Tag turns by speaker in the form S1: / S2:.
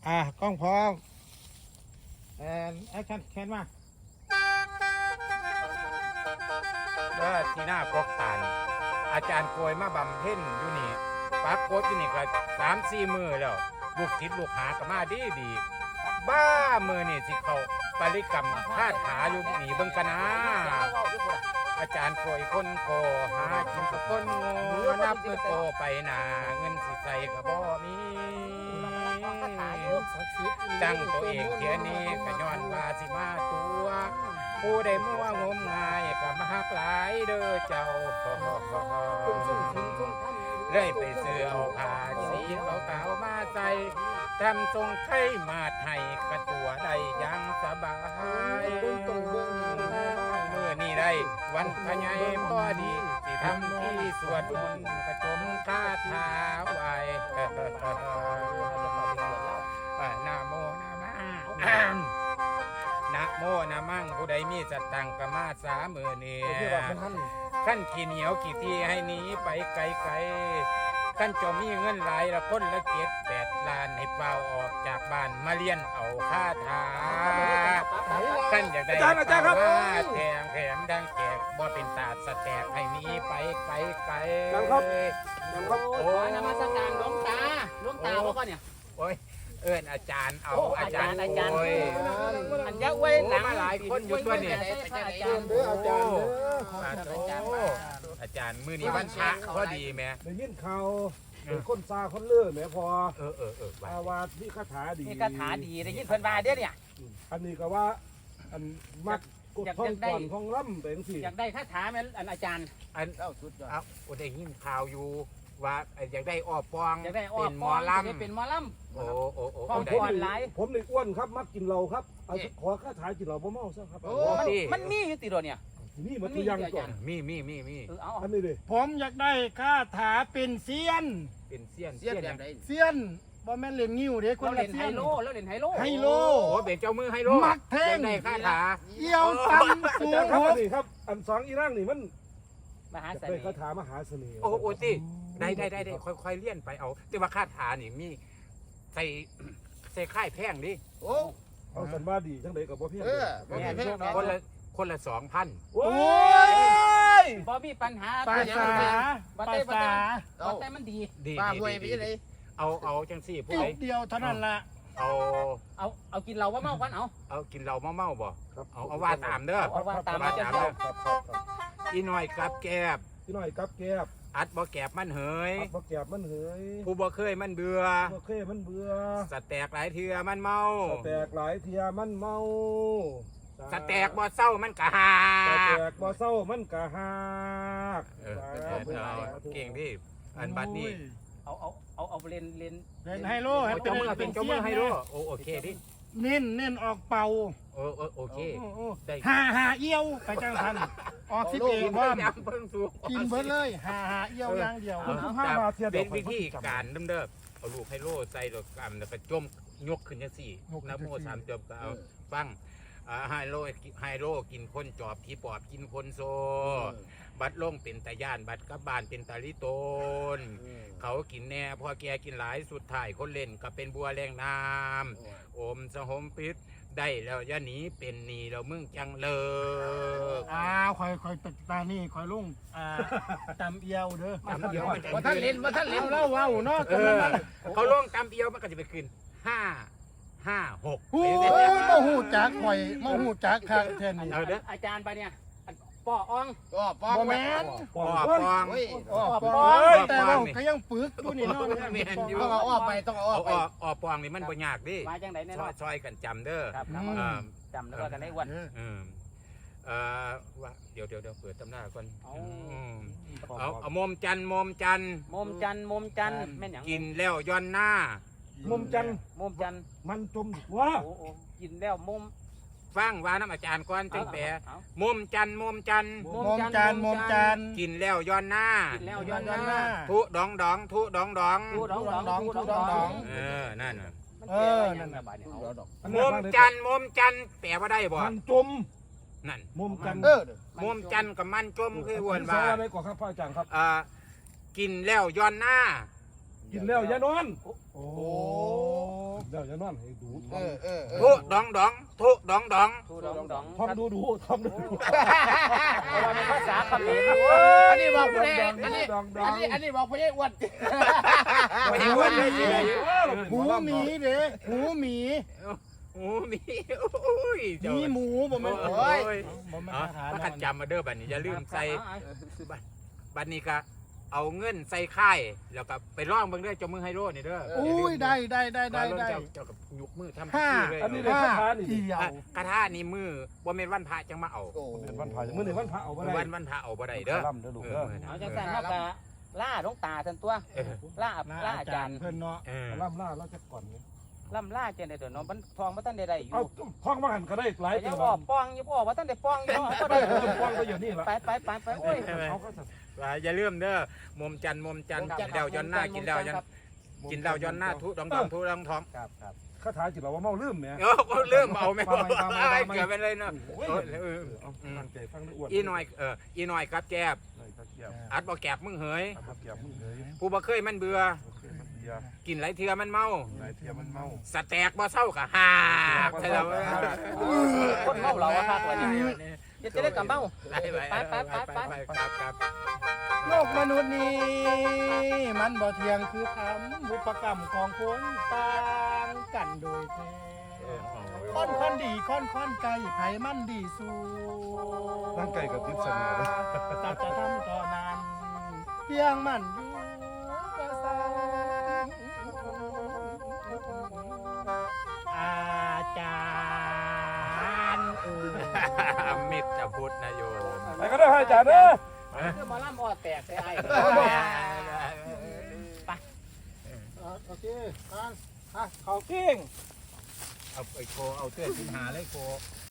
S1: กล้องพร้อมแอคชั่นแคนมา
S2: ว่าที่หน้ากรกตานอาจารย์โกยมาบำเพ็ญอยู่นี่ปักโกดอยู่นี่ก็3-4 มื้อแล้วลูกศิษย์ลูกหาก็มาดีบ้ามื้อนี่สิเขาปริกรรมคาถาอยู่นี่เบิ่งกันนะอาจารย์โกยคนโกหากินกับคนโง่นับมือโตไปหนาเงินสิใส่ก็บ่มีตั้งตัวเองเทียนี้ก็ย้อนว่าสิมาตัวผู้ใดมั่วงมงายก็มาหักหลายเด้อเจ้าเลยไปซื้อเอาผ้าสีขาวๆมาใส่ทำทรงไข่มาไทยกระตัวได้ยังสบายเมื่อนี่ได้วันพญายพอดีสิทำที่สวดมนต์กระจมคาถาไว้นะโมนะมะนะโมนะมั่งผู้ใดมีสตังกมาสามือเนี่ยขั้นขี้เหนียวขี้ทีให้หนีไปไกลๆขั้นจอมีเงินหลายละคนละ7-8 ล้านให้เป่าออกจากบ้านมาเรียนเอาคาถาขั้นอยากได้ว่าแถมดังแจกบ่เป็นตาสแตกให้หนีไปไกลๆ
S3: โอ้ยนมัสการหลวงตาว่าก่อนเนี่ย
S2: โอ้ยเอิ้นอาจารย์เอาอาจารย์
S3: โอ้ยอันยักษ์ไว้หลัง
S2: มาหลายคนอยู่ตัวเนี่ย
S3: อาจารย์
S2: อาจารย์มื้อนี้วันพระพอดีแม่
S1: ได้ยินข่าวคนซาคนเลื่อแม่พอ
S2: อ
S1: าวาสนี่คาถาดี
S3: นี่คาถาดีได้ยินเพิ่นว่าเด้อเนี่ย
S1: อันนี้ก็ว่าอันมักกดท่องก่อนท่องล่ำเป็นสิ
S3: อยากได้คาถาแม่นอาจารย์
S2: สุดยอดได้ยินข่าวอยู่ว่าอยากได้อ้อปอง
S3: เป็นหมอลำ
S2: โอ้
S1: ผมในอ้วนครับมักกินเหล้าครับขอคาถากินเหล้าบ่เมาซะครับ
S3: มันมีอยู่ติโดเนี่ย
S1: นี่มันตัวยังก่อน
S2: มี
S1: อันนี้ดิ
S4: ผมอยากได้คาถาเป็นเซียน
S3: แบบใด
S4: เซียนบ่แม่นเล่นงิ้วเด้คนละเซียน
S3: แล้วเล่นไฮโล
S2: โอ้เป็นเจ้ามือไฮโล
S4: มักแทง
S2: ได้คาถา
S4: เอี่ยวตันสูง
S1: ครับนี่ครับอันสองอีร่างนี่มัน
S3: มหาเสน่ห์
S1: คาถามหาเสน่ห์
S2: โอ้ติได้ค่อยๆเลี่ยนไปเอาแต่ว่าคาถานี่มีใส่ค่ายแพงดิ
S1: เอาสันว่าดีจังไดกับบ่เพียง
S2: คนละ 2,000
S1: โอ้
S3: ยบ่มีปัญหา
S4: ภาษา
S3: แต่มันดี
S2: ป้าห่วยไปจังไดเอาจังซี่ผู้ใด
S4: เดียวเท่านั้นล่ะ
S3: เอากินเหล้าว่าเมากัน
S2: เอากินเหล้าเมาบ่เอาว่าตามเด้อ
S3: เอาว่าตามเด้อ
S2: อีน้อยกับแกบอัดบ่แกบมันเหยผู้บ่เคยมันเบื่อสแตกหลายเทื่อมันเมาสแตกบ่เศร้ามันกะหาเก่งพี่อันบัดนี้
S3: เอาเล่น
S4: ไฮโลให้
S2: เป็นเจ้ามือไฮโลโอเคดิ
S4: เน้นออกเป่า
S2: โอเค
S4: หาเอี้ยวไปจังทันออก11ว่ากินเบิดเลยหาเอี้ยวอย่างเดียว
S2: เป็นวิธีการเดิมเอาลูกไฮโลใส่ดอกกำแล้วก็จมยกขึ้นจังซี่นะโม3จบก็เอาฟังไฮโลกินคนจอบผีปอบกินคนโซบัดลงเป็นตาย่านบัดกับบานเป็นตาลิโตนเขากินแน่พอแกกินหลายสุดท้ายคนเล่นก็เป็นบัวแรงน้ำอมสหมพิษได้แล้วอย่าหนีเป็นหนีแล้วมึงจังเลิก
S4: คอยตานี่คอยลุงตำเอียวเด้อ
S2: ตำเอียว
S3: ว่าท่านเล่น
S4: เล่าว้าวเนาะ
S2: เขาลงตำเอียวมันก็จะไปขึ้น5-6
S4: โอ้หูจักข่อยมาหูจักคักแท้นี่
S3: อาจารย์ไปเนี่ยป้ออ่อง
S4: บ่แม่น
S2: ป้อ
S4: แต่เราก็ยังปึกอยู่นี่เนาะ
S2: แม่นอยู่
S3: ต้องเอาไป
S2: อ้อปองนี่มันบ่ยากดิ
S3: มาจังได๋แน่นอน
S2: ซอยกันจำเด้อ
S3: จำแล้วก็กันได้วัน
S2: ว่าเดี๋ยวเปิดตำหน้าก่อนเอามมจันแม่นหยัง
S4: กิ
S2: นแล้วย้อนหน้า
S1: มุมจันมันจมว่า
S3: กินแล้วมุม
S2: ฟังว่าน้ำอาจารย์ก่อนจังแปะมุมจันกินแล้วย้อนหน้าทุดองนั่นมุมจันแปลว่าได้บ่
S1: มันจม
S2: นั่น
S1: มุมจั
S2: นกับมันจมคือวนว่า
S1: อะไรก่อนครับพ่ออาจารย์ครับ
S2: กินแล้วย้อนหน้า
S1: กินแล้วอย่านอน
S4: โอ้
S1: เดี๋ยวแล้วจะนอนให้ดู
S2: ทุดองดองทุดองดอง
S3: ทูดองดอง
S1: ท่องดูท่องดู
S3: เพราะว่าเป็นภาษาเขมร
S4: อันนี้บอกผู้ใดอันนี้บอกผู้ใดอ้วน
S2: ไม่ใช่ว่าได้ยังไง
S4: หูหมีเด้หูหมี
S2: โอ้มีโอ้ย
S4: หมีหมูบ่แม่น
S2: โอ้
S4: โอ้
S2: ย
S4: ยบ่แม่น
S2: อ๋อ
S4: ทหาร
S2: ถ้าขัดจำมาเด้อบัดนี้อย่าลืมใส่บัดนี้ก็เอาเงินใส่ค่ายแล้วก็ไปร้องเบิ่งเด้อเจ้ามือไฮโร่นี่เด้อ
S4: อุ้ยได้ได้ได้ได้ได้
S2: เจ้ากับยกมือทำ
S4: ห้า
S2: เลย
S1: อันนี้เลยคาถานี่
S4: เดียว
S2: กระทานี่มือบ่แม่นวันพระจังมาเอา
S1: เป็นวันพระมื้อนี้วันพระเอาบ่ได้
S2: วันพระเอาบ่ได้เด้อ
S1: ล่ำเด้อลูกเด้อ
S3: เอาจังสันครับล่าหลวงตาทันตัวล่าอาจารย์
S4: เพิ่นเนาะ
S1: ล่ำล่าเราจะก่อนนี่
S3: ล่ำล่าเจนได้เด้อเนาะมันทองบ่ทันได้ได้อยู่
S1: เอาท่องมาหันก็ได้หลาย
S3: ยั
S1: เติ
S3: ง
S1: ม
S3: บ่ป้องอยู่บ่ว่าทันได้ป้องอยู่เนาะก็ได้
S1: ป้องก็อยู่นี่ละ
S3: ไปโอ้ย
S1: เขาก็จะ
S2: อย่าลืมเด้อมุมจันทร์กินดาวย้อนหน้ากินดาวย้อนกินดาวย้อนหน้าทุดองทุดองท้อง
S3: ครับครับ
S1: คาถาจิตเราว่าเมาลืมเนี่ย
S2: ก็เริ่มเอาไม่พอเกิดเป็นเลยเนาะ
S1: ตั้งใจฟังด้วยอ้วน
S2: อีน้อยกับแกบอัดบ่แกบมึงเหย
S1: เกี่ยวมึงเลย
S2: ผู้บ่เคยมันเบื่อกินหลายเทื่อมันเมา
S1: หลายเทียมันเมา
S2: สแต็กบ่เศร้าก็หาใช่แล้ว
S3: คนเมาเหล้าอะครับวันนี้จะได้กลับเมา
S2: ไปครับ
S4: โลกมนุษย์นี้มันบ่เที่ยงคือคำบุพกรรมของคนต่างกันโดยแท้ค่อนดีค่อนไก่ไผมันดีสู้
S1: ร่างไก่กับทิพย์เสน่ห์
S4: ตัดจะทำต่อนั้นเพียงมันอยู่ก็สร้างอาจารย์
S2: มิตรพุทธนโยม
S1: ไปก็ได้ให้จ่าเด้อ
S3: คือบ่ล่ำบ่แตกใส่ไอ้
S4: โอเคเขาเก่ง
S2: เอาไอ้โคเอาเสื้อสินหาเลยโค